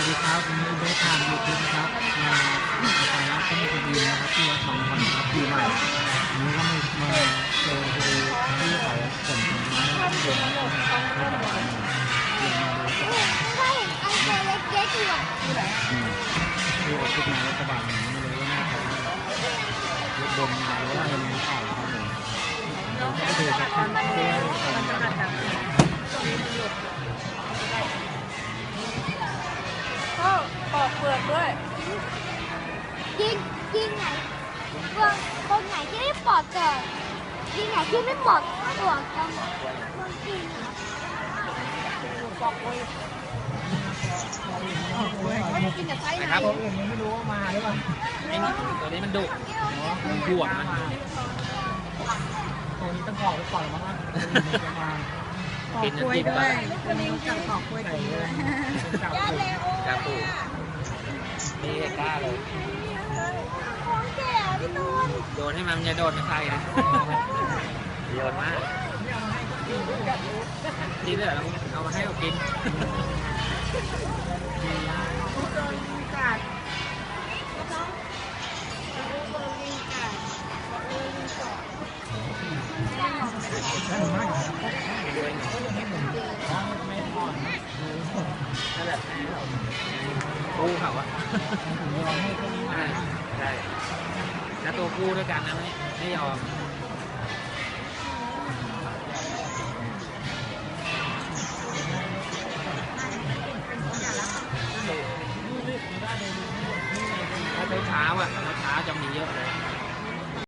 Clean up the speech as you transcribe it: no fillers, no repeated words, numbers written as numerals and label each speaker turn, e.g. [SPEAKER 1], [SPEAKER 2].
[SPEAKER 1] วัสดีครับวันนี้เบสทางยูทูบครับมาสาระต้นคดีนะครับที่วัดหนองคอนครับปีใหม่วันนี้ก็มาเจอคดีที่เขาขนผลไม้เด็กที่ตลาดเรียนมาดูก่อน
[SPEAKER 2] ถ้าเห็นอันตัวเล็กๆอยู่อ่ะ
[SPEAKER 1] ที่ออกขึ้นมารัฐบาลไม่รู้ว่าหน้าเขารถบนมาหรือว่าอะไรข่าวครับผมก็ดูสักทีเพื่อ
[SPEAKER 3] ก็ปอกเปลือกด้วย
[SPEAKER 2] ยิงไหนคนไหนที่ไม่ปลอดเกิดยิงไหนที่ไม่ปลอดตัวกันคนกิน
[SPEAKER 3] ปอกเปลือกไม่ได้กินกับไส้ไหน
[SPEAKER 1] ตัวอื่นไม่รู้ว่ามาหรือเปล่า
[SPEAKER 4] ตัวนี้มันดุมันห่วงนะ
[SPEAKER 1] ตัวนี้ต้องขอไปก่อนมั้งมา
[SPEAKER 3] ปอกกล้วยด้วยคนนี้จับปอกกล้วยกินด้วย
[SPEAKER 4] กาปูนี่กล้าเลย
[SPEAKER 2] ของแก่พี่ตูน
[SPEAKER 4] โดนให้มันจะโดนไม่ใครนะโยนมากนี่เลยเอามาให้เรากินกู้เขาอะใช่แล้วตัวกู้ด้วยกันนะไม่ยอม